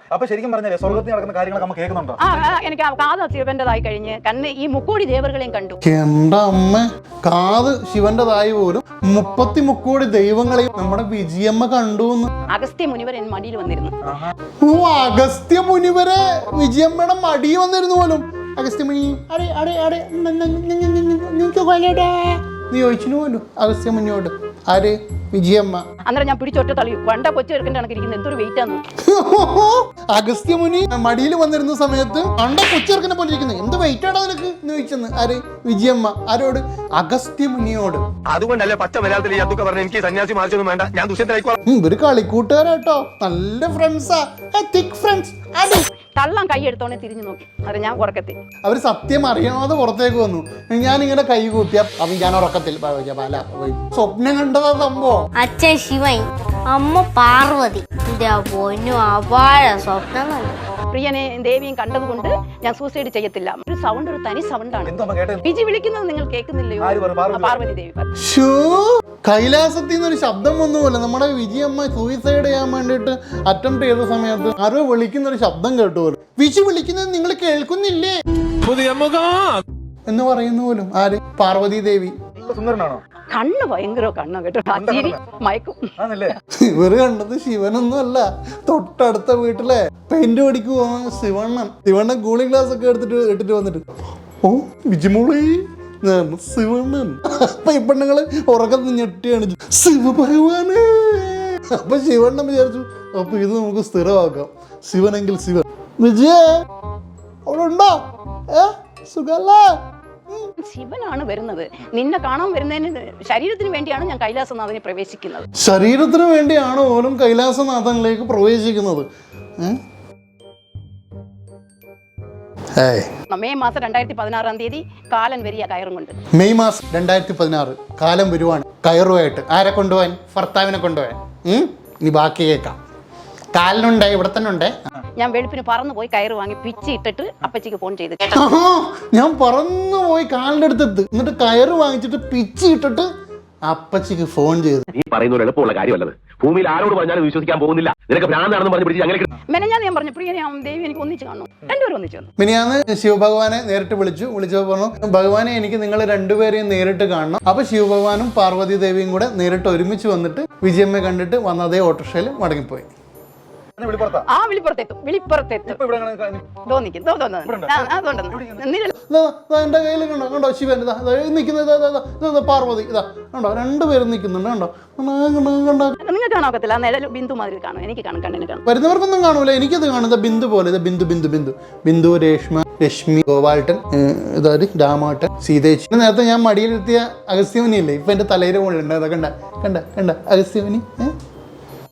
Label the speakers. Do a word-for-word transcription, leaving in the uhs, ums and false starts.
Speaker 1: അപ്പൊ ശരിക്കും പറഞ്ഞാലേ സ്വർഗത്തിൽ നടക്കുന്ന കാര്യങ്ങളൊക്കെ നമ്മൾ കേൾക്കുന്നുണ്ടോ?
Speaker 2: ആ എനിക്ക് കാത് ശിവന്റേതായി കഴിഞ്ഞ് കണ്ണ് ഈ മുക്കോടി ദേവറുകളെയും കണ്ടു.
Speaker 3: എന്റെ അമ്മ, കാത് ശിവന്റേതായി പോലും മുപ്പത്തി മുക്കോടി ദൈവങ്ങളെയും നമ്മുടെ വിജയമ്മ കണ്ടു.
Speaker 2: അഗസ്ത്യ മുനിവർ എൻ മടിയിൽ വന്നിരുന്നു.
Speaker 3: ഓ, അഗസ്ത്യ മുനിവരെ വിജയമ്മയുടെ മടി വന്നിരുന്നു പോലും. അഗസ്ത്യ മുനി നീ ചോദിച്ചു പോലും അഗസ്ത്യ മുനിയോട്. ആര്? വിജയമ്മ.
Speaker 2: അന്നേരം ഞാൻ പിടിച്ചൊറ്റ തള്ളി വണ്ട കൊച്ചു എടുക്കേണ്ട കണക്കിരിക്കുന്നത് എന്തൊരു വെയിറ്റ് ആണ്.
Speaker 3: അഗസ്ത്യ മുനി മടിയിൽ വന്നിരുന്ന സമയത്ത് അണ്ട കൊച്ചിറക്കനെ പോലെ ഇരിക്കുന്നത് എന്ത് വെയിറ്റ് ആണോ നിനക്ക് എന്ന് ചോദിച്ചെന്ന്. ആര്? വിജയമ്മ. ആരോട്? അഗസ്ത്യ മുനിയോട്.
Speaker 4: അതുകൊണ്ടല്ലേ പച്ച മലയാളത്തിൽ അതൊക്കെ പറഞ്ഞ എനിക്ക് സന്യാസി മാർച്ചൊന്നും വേണ്ട, ഞാൻ ദുഷ്യത്തിലായിക്കോളാം.
Speaker 3: ഇവര് കളിക്കൂട്ടുകാരാട്ടോ, നല്ല ഫ്രണ്ട്സാ, തിക് ഫ്രണ്ട്സ്.
Speaker 2: തള്ളാൻ കൈ എടുത്തോണെ തിരിഞ്ഞു നോക്കി. അത് ഞാൻ ഉറക്കത്തിൽ.
Speaker 3: അവര് സത്യം അറിയാതെ പുറത്തേക്ക് വന്നു. ഞാനിങ്ങനെ കൈ കൂപ്പിയ അവൻ ഞാൻ ഉറക്കത്തിൽ സ്വപ്നം കണ്ടതാ സംഭവം.
Speaker 5: അച്ഛൻ ശിവൻ, അമ്മ പാർവതി. പൊന്നു അപാര സ്വപ്നം കണ്ടു.
Speaker 2: പ്രിയനെ ദേവിയും കണ്ടതുകൊണ്ട് ഞാൻ സൂസൈഡ് ചെയ്യത്തില്ല. ഒരു സൗണ്ട്, ഒരു തനി സൗണ്ടാണ്. വിജി വിളിക്കുന്നത് നിങ്ങൾ കേൾക്കുന്നില്ലയോ? പാർവതി ദേവി.
Speaker 3: കൈലാസത്തിൽ നിന്നൊരു ശബ്ദം വന്നുപോലെ നമ്മുടെ വിജയമ്മ സൂയിസൈഡ് ചെയ്യാൻ വേണ്ടിട്ട് അറ്റംപ്റ്റ് ചെയ്ത സമയത്ത് ആരോ വിളിക്കുന്ന ഒരു ശബ്ദം കേട്ടു പോലും. വിജി വിളിക്കുന്നത് നിങ്ങൾ കേൾക്കുന്നില്ലേ എന്ന് പറയുന്നു പോലും. ആര്? പാർവതി ദേവി.
Speaker 2: കണ്ണ് ഭയങ്കര കണ്ണോ കേട്ടോ, മയക്കും.
Speaker 3: ഇവര് കണ്ടത് ശിവനൊന്നും അല്ല, തൊട്ടടുത്ത വീട്ടിലെ പെയിന്റ് പടിക്ക് പോകുന്ന ശിവണ്ണൻ. ശിവണ്ണൻ കൂളിംഗ് ഗ്ലാസ് ഒക്കെ എടുത്തിട്ട് ഇട്ടിട്ട് വന്നിട്ട് ഓ വിജിമോളി ശിവണ്ണൻ. അപ്പൊ ഈ പെണ്ണുങ്ങള് ഉറക്കത്ത് ഞെട്ടിയാണ് ശിവഭഗവാനെ. അപ്പൊ ശിവണ്ണൻ വിചാരിച്ചു അപ്പൊ ഇത് നമുക്ക് സ്ഥിരമാക്കാം, ശിവനെങ്കിൽ ശിവൻ. വിജയ അവിടെ ഉണ്ടോ? ഏ സുഖല്ലേ?
Speaker 2: ശിവനാണ് വരുന്നത്. നിന്നെ കാണാൻ വരുന്നതിന് ശരീരത്തിന് വേണ്ടിയാണ് ഞാൻ കൈലാസനാഥനെ പ്രവേശിക്കുന്നത്.
Speaker 3: ശരീരത്തിന് വേണ്ടിയാണ് ഓരോ കൈലാസനാഥനിലേക്ക് പ്രവേശിക്കുന്നത്.
Speaker 2: മെയ് മാസം രണ്ടായിരത്തി പതിനാറാം തീയതി കാലൻ വരിക കയറും കൊണ്ട്.
Speaker 3: മെയ് മാസം രണ്ടായിരത്തി പതിനാറ് കാലം വരുവാണ് കയറുമായിട്ട്. ആരെ കൊണ്ടുപോകാൻ? ഭർത്താവിനെ കൊണ്ടുപോകാൻ. ഇനി ബാക്കി കേൾക്കാം. കാലിനുണ്ടേ, ഇവിടെ തന്നെ ഉണ്ടേ.
Speaker 2: ഞാൻ വെളുപ്പിന് പറന്നു പോയി കയറ് വാങ്ങി പിച്ചി ഇട്ടിട്ട് അപ്പച്ചിക്ക് ഫോൺ ചെയ്ത്.
Speaker 3: ഞാൻ പറന്നു പോയി കാലിന്റെ അടുത്തെത്ത്, എന്നിട്ട് കയറ് വാങ്ങിച്ചിട്ട് പിച്ചി ഇട്ടിട്ട് അപ്പച്ചിക്ക് ഫോൺ ചെയ്തു.
Speaker 4: നീ പറയുന്ന എളുപ്പമുള്ള കാര്യമല്ലത്. ഭൂമിയിൽ ആരോട് പറഞ്ഞാലും വിശ്വസിക്കാൻ പോകുന്നില്ല. നിനക്ക് ഭ്രാന്താണെന്ന് പറഞ്ഞ് പിടിച്ച് അങ്ങനെ
Speaker 2: മെനഞ്ഞാന്ന് ഞാൻ പറഞ്ഞു പ്രിയനെ ദേവി എനിക്ക് ഒന്നിച്ച് കാണണം. രണ്ടുപേരും ഒന്നിച്ച് വന്നു.
Speaker 3: മിനിയാന്ന് ശിവഭഗവാനെ നേരിട്ട് വിളിച്ചു. വിളിച്ചപ്പോൾ പറഞ്ഞു ഭഗവാനെ എനിക്ക് നിങ്ങൾ രണ്ടുപേരെയും നേരിട്ട് കാണണം. അപ്പൊ ശിവഭഗവാനും പാർവതി ദേവിയും കൂടെ നേരിട്ട് ഒരുമിച്ച് വന്നിട്ട് വിജയമ്മയെ കണ്ടിട്ട് വന്നതേ ഓട്ടോറിക്ഷയിൽ മടങ്ങിപ്പോയി.
Speaker 2: ആ വിളിപ്പുറത്തെത്തും, വിളിപ്പുറത്തെത്തും.
Speaker 3: എന്റെ കയ്യിൽ കണ്ടോ കണ്ടോ ശിവൻ നിൽക്കുന്നത്, പാർവതി ഇതാ കണ്ടോ, രണ്ടുപേരും നിൽക്കുന്നുണ്ട് കണ്ടോ.
Speaker 2: നിങ്ങൾക്ക് കാണാക്കത്തില്ല, നിഴൽ ബിന്ദു മാതിരി കാണും. എനിക്ക് കാണും, കണ്ണിന് കാണും.
Speaker 3: വരുന്നവർക്കൊന്നും കാണൂല, എനിക്കത് കാണുന്നത് ബിന്ദു പോലെ. ഇത് ബിന്ദു ബിന്ദു ബിന്ദു ബിന്ദു രേഷ്മ, രശ്മി, ഗോപാൽട്ടൻ, ഇതായത് രാമാട്ടൻ, സീതേച്ചി. നേരത്തെ ഞാൻ മടിയിലെത്തിയ അഗസ്ത്യമുനി ഇല്ലേ, ഇപ്പൊ എന്റെ തലയിൽ മുകളിലുണ്ട്. അതൊക്കെ കണ്ട കണ്ട കണ്ട അഗസ്ത്യമുനി.